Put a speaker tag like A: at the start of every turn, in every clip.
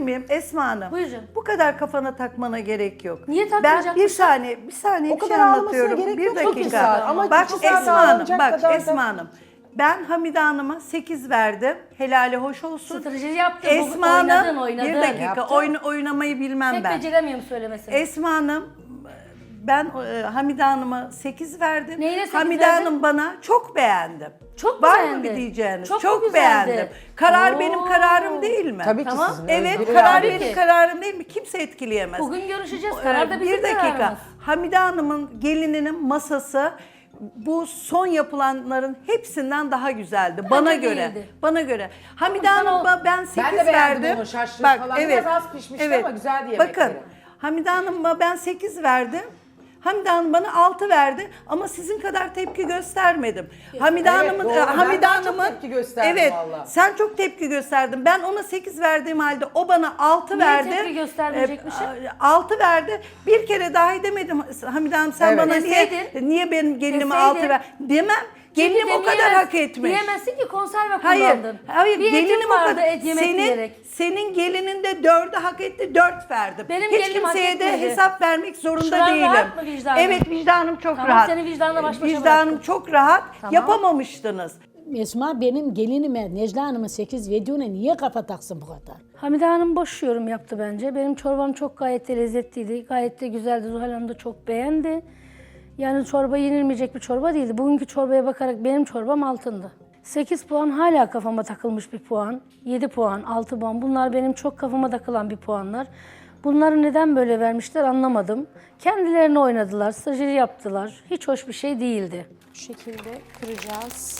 A: miyim Esma Hanım?
B: Buyurun.
A: Bu kadar kafana takmana gerek yok.
B: Niye
A: Ben
B: takmayacakmışım?
A: bir saniye
C: O
A: bir şey
C: kadar almasına
A: anlatıyorum.
C: gerek
A: Bir
C: yok. Çok
A: dakika.
C: güzel. Ama
A: Bak
C: çok güzel
A: Esma Hanım,
C: davranacak
A: bak
C: kadar da-
A: Esma Hanım. Ben Hamide Hanım'a 8 verdim. Helali hoş olsun.
B: Strateji yaptın.
A: Esma
B: Oynadın,
A: Hanım, bir dakika
C: Yaptı.
A: oynamayı bilmem
B: Tek
A: ben.
B: beceremiyorum söylemesini.
A: Esma Hanım, ben Hamide Hanım'a 8 verdim.
B: Neyine 8
A: Hamide
B: verdin?
A: Hanım bana çok beğendim.
B: Çok mu
A: Var
B: beğendin?
A: mı bir diyeceğiniz?
B: Çok
A: Çok,
B: mu güzeldi?
A: beğendim. Karar
B: Oo.
A: benim kararım değil mi?
C: Tabii ki
B: Tamam.
C: sizin
A: Evet,
C: özgür
A: karar
C: iradeniz.
A: benim kararım değil mi? Kimse etkileyemez.
B: Bugün görüşeceğiz. Karar da bizim
A: Bir dakika.
B: kararımız.
A: Hamide Hanım'ın gelininin masası bu son yapılanların hepsinden daha güzeldi bana göre.
B: değildi.
A: Bana göre. Hamide
B: Ama sana
A: Hanım'a ben 8
C: Ben de beğendim
A: verdim.
C: onu, şaşırdım falan. Biraz az pişmişti ama güzeldi yemekleri.
A: Bakın, Hamide Hanım'a ben 8 verdim. Hamide Hanım bana 6 verdi ama sizin kadar tepki göstermedim. Hamide
C: Evet,
A: Hanım'ın
C: doğru. Ben
A: Hamide
C: daha çok
A: Hanım'ın
C: tepki gösterdim
A: evet,
C: vallahi.
A: sen çok tepki gösterdin. Ben ona 8 verdiğim halde o bana 6
B: Niye
A: verdi.
B: tepki göstermeyecekmişim?
A: 6 verdi. Bir kere dahi demedim Hamide Hanım sen
C: Evet.
A: bana
B: Deseydin.
A: niye benim gelinime
B: Deseydin.
A: 6 ver demem. Gelinim
B: Çünkü
A: o kadar
B: demeyemez-
A: hak etmiş.
B: Diyemezsin ki konserve
A: Hayır,
B: kullandın.
A: hayır
B: Bir
A: gelinim
B: etim
A: o
B: vardı
A: kadar.
B: et yemek diyerek.
A: Senin gelinin de 4'ü hak etti, 4 verdim.
B: Benim
A: Hiç
B: gelinim hak
A: kimseye de
B: etmedi.
A: hesap vermek zorunda
B: Şu an
A: değilim.
B: rahat mı vicdanın?
A: Evet vicdanım çok
B: Tamam,
A: rahat.
B: seni vicdanla baş başa
A: Vicdanım
B: bıraktım.
A: çok rahat.
B: Tamam.
A: Yapamamıştınız.
D: Esma benim gelinime Necla Hanım'ın 8 verdiğine niye kafa taksın bu kadar?
B: Hamide Hanım boş yorum yaptı bence. Benim çorbam çok gayet de lezzetliydi. Gayet de güzeldi. Zuhal Hanım da çok beğendi. Yani çorba yenilmeyecek bir çorba değildi. Bugünkü çorbaya bakarak benim çorbam altındı. 8 puan hala kafama takılmış bir puan. 7 puan, 6 puan. Bunlar benim çok kafama takılan bir puanlar. Bunları neden böyle vermişler anlamadım. Kendilerini oynadılar, strateji yaptılar. Hiç hoş bir şey değildi.
E: Bu şekilde kıracağız.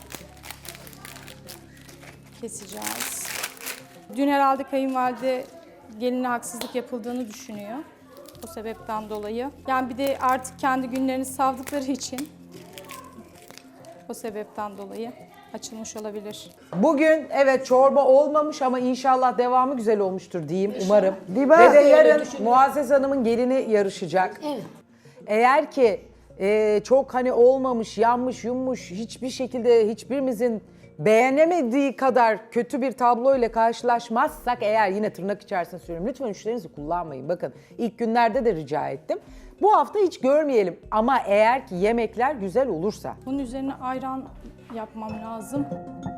E: Keseceğiz. Dün herhalde kayınvalide geline haksızlık yapıldığını düşünüyor. O sebepten dolayı. Yani bir de artık kendi günlerini savdıkları için o sebepten dolayı açılmış olabilir.
C: Bugün evet çorba olmamış ama inşallah devamı güzel olmuştur diyeyim umarım.
A: Diba.
C: Ve de yarın Muazzez Hanım'ın gelini yarışacak.
D: Evet.
C: Eğer ki çok hani olmamış, yanmış, yummuş, hiçbir şekilde hiçbirimizin beğenemediği kadar kötü bir tablo ile karşılaşmazsak eğer yine tırnak içerisinde söylüyorum lütfen üçlerinizi kullanmayın. Bakın ilk günlerde de rica ettim. Bu hafta hiç görmeyelim ama eğer ki yemekler güzel olursa.
E: Bunun üzerine ayran yapmam lazım.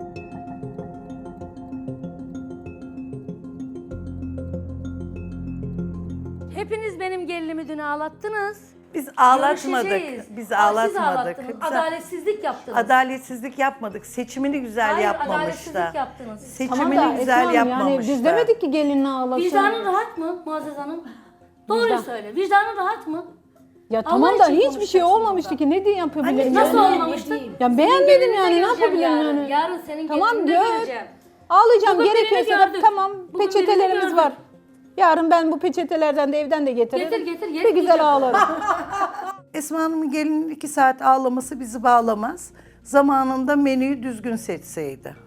B: Hepiniz benim gelinimi dün ağlattınız.
A: Biz ağlatmadık.
B: Görüşeceğiz.
A: Biz
B: Siz
A: ağlatmadık.
B: ağlattınız.
A: Biz-
B: Adaletsizlik yaptınız.
A: Adaletsizlik yapmadık. Seçimini güzel
B: Hayır,
A: yapmamış
B: adaletsizlik
A: da.
B: yaptınız.
A: Seçimini
D: Tamam da
A: güzel
D: Esma Hanım,
A: yapmamış
D: yani biz
A: da.
D: demedik ki gelinini ağlasın.
B: Vicdanın rahat mı Muazzez Hanım? Doğruyu
D: Vicdan.
B: söyle. Vicdanın rahat mı?
D: Ya
B: Allah
D: tamam da
B: için
D: hiçbir şey
B: konuşacaksın
D: olmamıştı
B: burada.
D: ki ne diye yapabilirim?
B: Nasıl
D: yani?
B: olmamıştı?
D: Ya beğenmedim yani ne
B: Gelinde
D: yapabilirim
B: göreceğim
D: yani?
B: Yarın senin
D: Tamam,
B: gelinde
D: gör.
B: göreceğim.
D: Ağlayacağım
B: Bugün birini
D: gerekiyorsa da
B: gördük.
D: tamam
B: Bugün
D: peçetelerimiz
B: birini
D: var.
B: gördük.
D: Yarın ben bu peçetelerden de evden de getiririm.
B: Getir, getir,
D: Bir
B: yetmeyecek.
D: güzel ağlarım.
A: Esma Hanım'ın gelinin 2 saat ağlaması bizi bağlamaz. Zamanında menüyü düzgün seçseydi.